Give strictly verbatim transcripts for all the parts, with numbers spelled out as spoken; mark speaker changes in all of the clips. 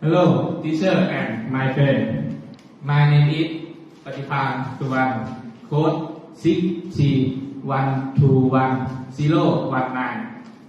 Speaker 1: Hello, teacher and my friend. My name is Patipan Suwan. Code six three one two one zero one nine.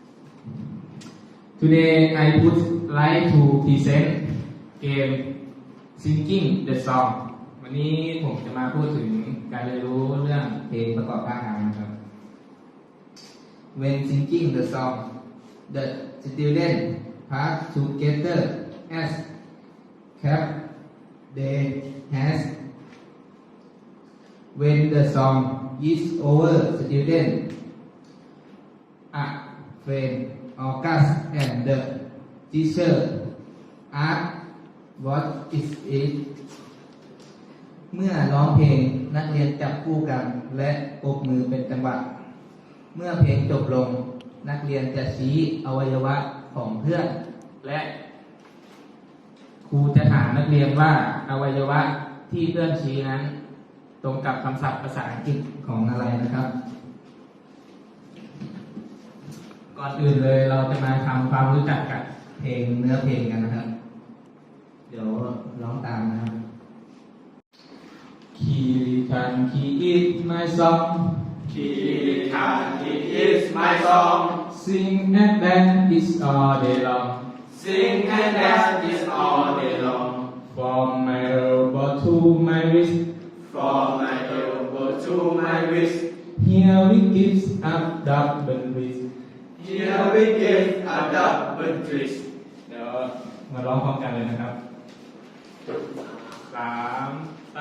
Speaker 1: Today I would like to present game Singing the Song. วันนี้ผมจะมาพูดถึงการเรียนรู้เรื่องเพลงประกอบท่าทางนะครับ
Speaker 2: When singing the song, the students pass together as clap their hands. When the song is over, students are friend August and the teacher ask what is it. เมื่อร้องเพลงนักเรียนจับคู่กันและปรบมือเป็นจังหวะเมื่อเพลงจบลงนักเรียนจะชี้อวัยวะของเพื่อน
Speaker 1: และครูจะถามนักเรียนว่าอวัยวะที่เพื่อนชี้นั้นตรงกับคำศัพท์ภาษาอังกฤษ
Speaker 2: ของอะไรนะครับ
Speaker 1: ก่อนอื่นเลยเราจะมาทำความรู้จักกับ
Speaker 2: เพลงเนื้อเพลงกันนะครับ เดี๋ยวร้องตามนะครับ
Speaker 1: Kirikan he is my song
Speaker 3: Kirikan he is my song
Speaker 1: Sing and dance all day long
Speaker 3: Sing and dance all day long
Speaker 1: From my elbow to my wrist
Speaker 3: From my elbow to my wrist
Speaker 1: Here we give up double twist
Speaker 3: Here we give a double twist
Speaker 1: เดี๋ยวมาร้องพร้อมกันเลยนะครับสามใต้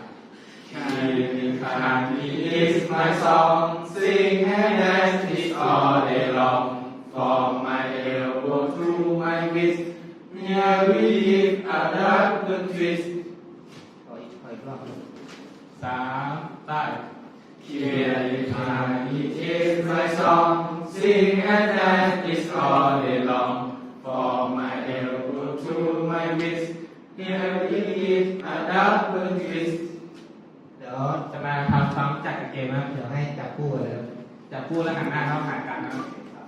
Speaker 3: Kirikan he is my song Sing and dance all day long From my elbow to my wrist Here we give a double twist
Speaker 2: ขออีกขออีกรอบ
Speaker 1: สามใต้
Speaker 3: Kirikan he is my song Sing and dance all day long From my elbow to my wrist Here we give a double twist
Speaker 2: เดี๋ยว
Speaker 1: จะมาทำความรู้จักกับเกมนะครับ
Speaker 2: เดี๋ยวให้จับคู่เลยครับ
Speaker 1: จับคู่แล้วหันหน้าเข้าหากันนะครับ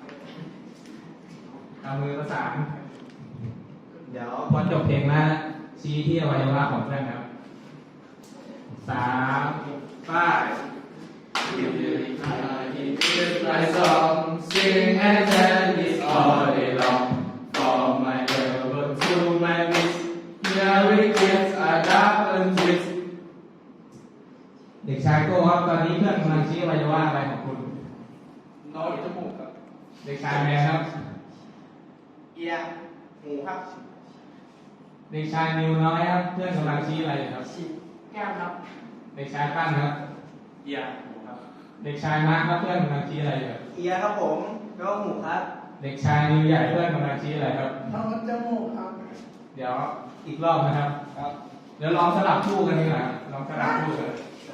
Speaker 1: เอามือประสาน
Speaker 2: เดี๋ยว
Speaker 1: พอจบเพลงแล้วชี้ที่อวัยวะของเพื่อนครับสามป้าย
Speaker 3: Kirikan he is my song Sing and dance all day long From my elbow to my wrist Here we give a double twist
Speaker 1: เด็กชายโก้ครับตอนนี้เพื่อนกำลังชี้อวัยวะอะไรของคุณ
Speaker 3: น้อยจมูกครับ
Speaker 1: เด็กชายแมนครับ
Speaker 3: เอียหูครับ
Speaker 1: เด็กชายนิวน้อยครับเพื่อนกำลังชี้อะไรอยู่ครับ
Speaker 3: แก้มครับ
Speaker 1: เด็กชายปั้นครับ
Speaker 3: เอียหูครับ
Speaker 1: เด็กชายมาร์คครับเพื่อนกำลังชี้อะไรอยู่ครับ
Speaker 4: เอียครับผมแล้วก็หมูครับ
Speaker 1: เด็กชายนิวใหญ่เพื่อนกำลังชี้อะไรครับ
Speaker 4: ท้องจมูกครับ
Speaker 1: เดี๋ยวอีกรอบนะครับ
Speaker 4: ครับ
Speaker 1: เดี๋ยวลองสลับคู่กันดีกว่าลองสลับคู่กัน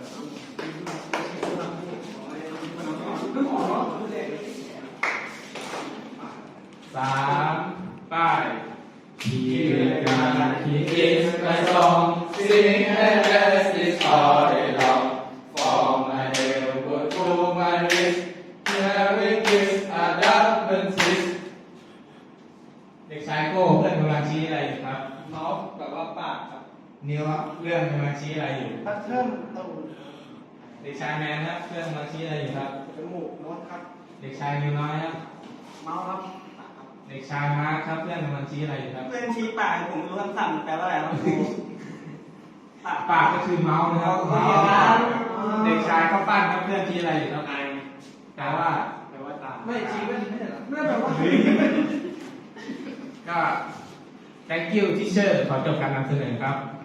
Speaker 1: สามป้าย
Speaker 3: Kirikan he is my song Sing and dance all day long From my elbow to my wrist Here we give a double twist
Speaker 1: เด็กชายโก้เพื่อนกำลังชี้อะไรอยู่ครับ
Speaker 4: เมาส์แบบว่าปากครับ
Speaker 1: นิวครับเพื่อนกำลังชี้อะไรอยู่
Speaker 4: พัดเทิร์นตูด
Speaker 1: เด็กชายแมนครับเพื่อนกำลังชี้อะไรอยู่ครับ
Speaker 4: จมูกโน้ตครับ
Speaker 1: เด็กชายนิวน้อยครับ
Speaker 4: เมาส์ครับ
Speaker 1: เด็กชายมาร์คครับเพื่อนกำลังชี้อะไรอยู่ครับ
Speaker 4: เพื่อนชี้ปากผมรู้คำสั่งแปลว่าอะไรครับครูปาก
Speaker 1: ปากก็คือเมาส์นะครับ
Speaker 4: อ๋
Speaker 1: เมา
Speaker 4: อ
Speaker 1: ส์เด็กชายข้าวปั้นครับเพื่อนชี้อะไรอยู่ครับแปลว่า
Speaker 3: แปลว่าตา
Speaker 4: ไม่ชี้ไม่ไม่ใช่เหรอไม่แปลว่า
Speaker 1: ก็ thank you teacher ขอจบการนำเสนอครับ